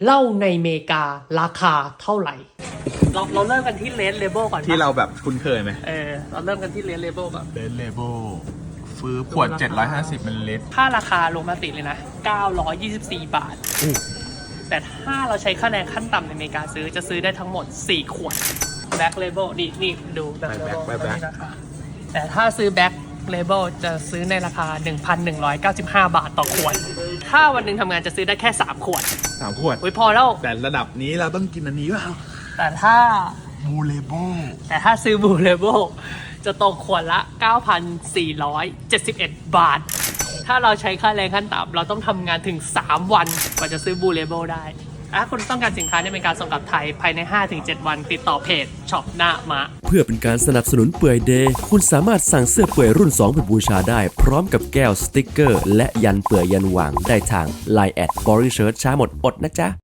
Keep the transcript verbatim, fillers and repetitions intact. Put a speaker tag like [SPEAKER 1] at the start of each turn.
[SPEAKER 1] เหล้าในอเมริการาคาเท่าไหร่ เราเราเริ่มกันที่เลนเลเบลก่อน
[SPEAKER 2] ที่เราแบบคุ้นเคยไหม
[SPEAKER 1] เออเราเริ่มกันที่เลนเลเบลก่อน
[SPEAKER 2] เดนเลเบลฟื้อขวดเจ็ดร้อยห้าสิบมิลลิลิตร
[SPEAKER 1] ค่าราคาลงมาติเลยนะเก้าร้อยยี่สิบสี่บาทแต่ถ้าเราใช้ค่าแรงขั้นต่ำในอเมริกาซื้อจะซื้อได้ทั้งหมดสี่ขวดแบ็คเลเบลนี่นี่ดูแบ็คเลเบลแต่ถ้าซื้อแบ็คเลเบลจะซื้อในราคา หนึ่งพันหนึ่งร้อยเก้าสิบห้า บาทต่อขวดถ้าวันหนึ่งทำงานจะซื้อได้แค่สามขวด
[SPEAKER 2] สามขวด
[SPEAKER 1] โอ้ยพอแล้ว
[SPEAKER 2] แต่ระดับนี้เราต้องกินอันนี้เปล่า
[SPEAKER 1] แต่ถ้า
[SPEAKER 2] บูเลเบล
[SPEAKER 1] แต่ถ้าซื้อบูเลเบลจะตกขวดละ เก้าพันสี่ร้อยเจ็ดสิบเอ็ด บาทถ้าเราใช้ค่าแรงขั้นต่ำเราต้องทำงานถึงสามวันกว่าจะซื้อบูเลเบลได้ถ้าคุณต้องการสินค้าในอเมริกาส่งกลับไทยภายใน ห้าถึงเจ็ด วันติดต่อเพจช็อปหน้ามะ
[SPEAKER 3] เพื่อเป็นการสนับสนุนเปื่อยเดย์คุณสามารถสั่งเสื้อเปื่อยรุ่นสองไปบูชาได้พร้อมกับแก้วสติ๊กเกอร์และยันเปื่อยยันหว่างได้ทาง ไลน์ แอท บอริเชิร์ตช้าหมดอดนะจ๊ะ